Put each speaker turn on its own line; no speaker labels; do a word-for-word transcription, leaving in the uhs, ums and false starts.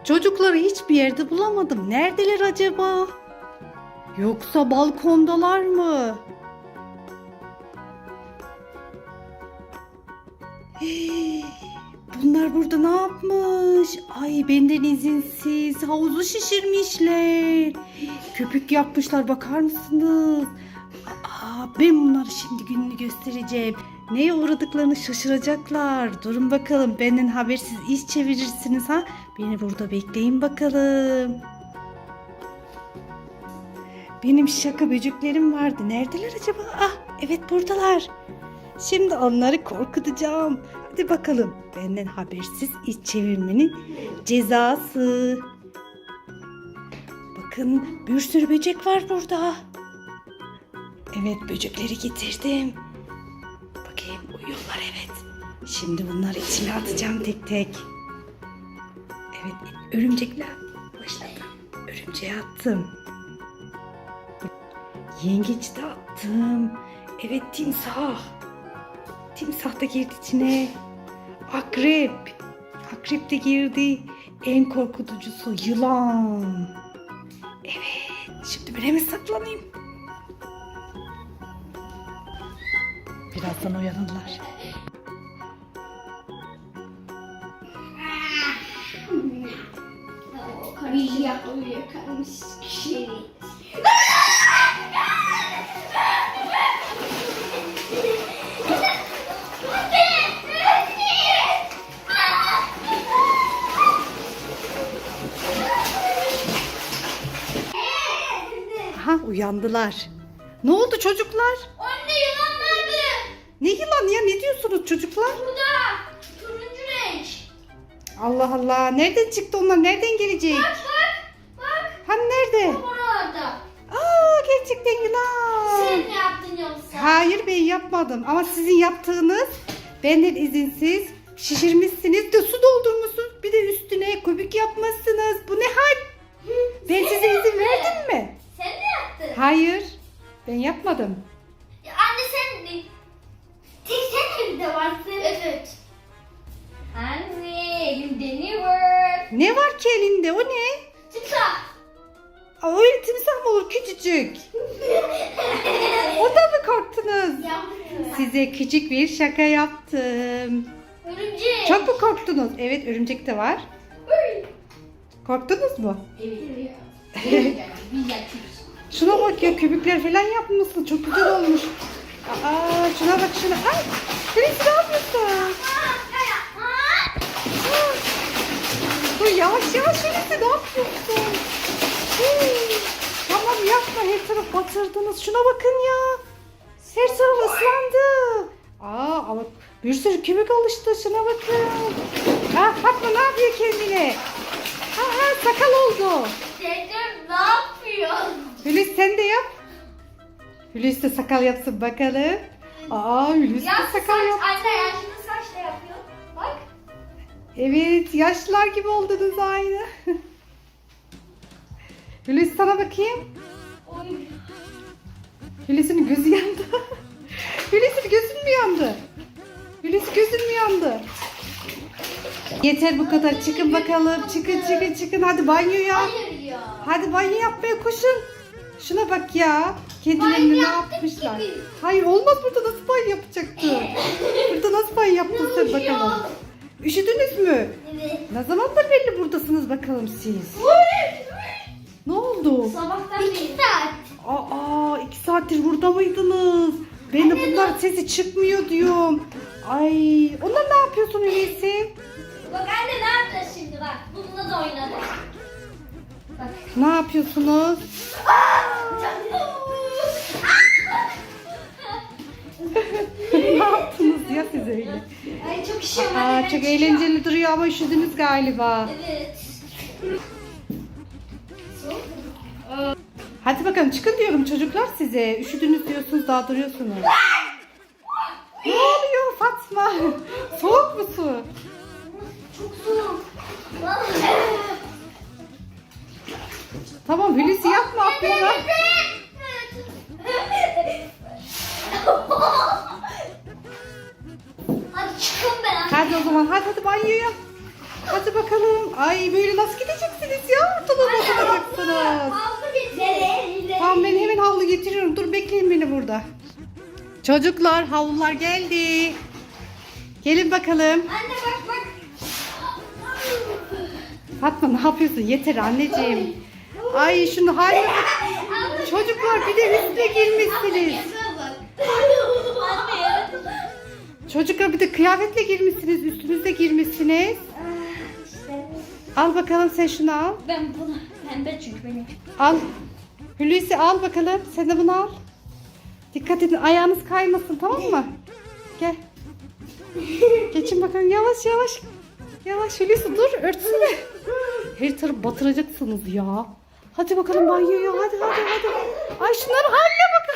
Çocukları hiçbir yerde bulamadım. Neredeler acaba? Yoksa balkondalar mı? Hey, bunlar burada ne yapmış? Ay benden izinsiz havuzu şişirmişler. Köpük yapmışlar, bakar mısınız? Aa, ben bunları şimdi gününü göstereceğim. Neye uğradıklarını şaşıracaklar. Durun bakalım, benden habersiz iş çevirirsiniz ha. Beni burada bekleyin bakalım. Benim şaka böceklerim vardı. Neredeler acaba? Ah, evet buradalar. Şimdi onları korkutacağım. Hadi bakalım. Benden habersiz iş çevirmenin cezası. Bakın bir sürü böcek var burada. Evet, böcekleri getirdim. Bakayım, uyuyorlar, evet. Şimdi bunları içine atacağım tek tek. Evet, örümcekler. Başladım. Örümceğe attım. Yengeç de attım. Evet, timsah. Timsah da girdi içine. Akrep. Akrep de girdi. En korkutucusu yılan. Evet. Şimdi bir hemen saklanayım. Birazdan uyanırlar.
Karıya uyuyakalmış kişi.
Aha, uyandılar. Ne oldu çocuklar?
Anne yılan nerede?
Ne yılan ya? Ne diyorsunuz çocuklar?
Burada. Turuncu renk.
Allah Allah. Nereden çıktı onlar? Nereden gelecek?
Bak bak. Bak.
Hani nerede?
Oralarda.
Aa, gerçekten yılan.
Sen mi yaptın yoksa?
Hayır, ben yapmadım. Ama sizin yaptığınız, benden izinsiz şişirmişsiniz de su doldurmuşsunuz. Bir de üstüne köpük yapmışsınız. Bu ne hal? Ben size izin verdim mi?
Sen mi yaptın?
Hayır. Ben yapmadım.
Ya anne sen de. Tek sen evde varsın. Evet. Anne elimde ne var?
Ne var ki elinde? O ne?
Timsah.
Aa, öyle timsah mı olur? Küçücük. Ondan mı korktunuz?
Yaptım.
Size küçük bir şaka yaptım.
Örümcek.
Çok mu korktunuz? Evet, örümcek de var.
Uy.
Korktunuz mu?
Evet. Biz yapıyoruz.
Şuna bak ya, köpükler falan yapmışsın. Çok güzel olmuş. Aa, şuna bak şuna. Ay, Hulusi ne yapıyorsun? Dur yavaş yavaş Hulusi, ne yapıyorsun? Hii, tamam yapma, her taraf batırdınız. Şuna bakın ya. Her taraf ıslandı. Aa, ama bir sürü köpük oluştu. Şuna bakın. Ha, Fatma ne yapıyor kendine? Ha, ha, sakal oldu.
Dedem ne yapıyor?
Hulusi sen de yap. Hulusi de sakal yapsın bakalım. Aa, Hulusi de
Yaşlı
sakal
saç,
yap.
anne yaşlı saç da yapıyor. Bak.
Evet, yaşlılar gibi oldunuz aynı. Hulusi sana bakayım.
Oy.
Hulusi'nin gözü yandı. Hulusi gözün mü yandı? Hulusi gözün mü yandı? Yeter bu kadar. Çıkın bakalım. Çıkın çıkın çıkın. Hadi banyoya.
Hayır ya.
Hadi banyo yapmaya koşun. Şuna bak ya. Kendilerini
Banyo
ne
yaptık
yapmışlar?
ki biz.
Hayır, olmaz, burada nasıl banyo yapacaktı? Burada nasıl banyo yaptın sen bakalım? Üşüdünüz mü?
Evet.
Ne zamandır belli buradasınız bakalım siz? Ne oldu?
Sabahtan beri. İki saat.
Aa, iki saattir burada mıydınız? Ben de bunlar sesi çıkmıyor diyorum. Ay, onlar ne yapıyorsun öyleyse?
Bak anne ne yapacağız şimdi bak. Bununla da oynadık. Bak.
Ne yapıyorsunuz? Ne yaptınız ya siz öyle?
Ay çok işim var.
Aa,
hemen
çok
çıkıyor.
eğlenceli duruyor ama üşüdünüz galiba.
Evet.
Hadi bakalım çıkın diyorum çocuklar size. Üşüdünüz diyorsunuz, daha duruyorsunuz. Ne oluyor Fatma? Soğuk mu su?
Çok soğuk.
Tamam Hulusi yapma, atlama.
Hadi çıkın ben.
Hadi o zaman, hadi hadi banyoya. Hadi bakalım. Ay, böyle nasıl gideceğiz getiriyorum. Dur bekleyin beni burada. Çocuklar havlular geldi. Gelin bakalım.
Anne bak bak.
Fatma ne yapıyorsun? Yeter anneciğim. Ay şunu haline bak. Çocuklar bir de üstüne girmişsiniz.
Anne.
Çocuklar bir de kıyafetle girmişsiniz. Üstünüzde girmişsiniz.
İşte.
Al bakalım sen şunu al.
Ben bunu pembe çünkü benim.
Al. Hulusi al bakalım. Sen de bunu al. Dikkat edin ayağınız kaymasın tamam mı? Gel. Geçin bakalım yavaş yavaş. Yavaş Hulusi dur örtsene. Her tarafı batıracaksınız ya. Hadi bakalım banyoya hadi hadi hadi. Ay şunların haline bakın.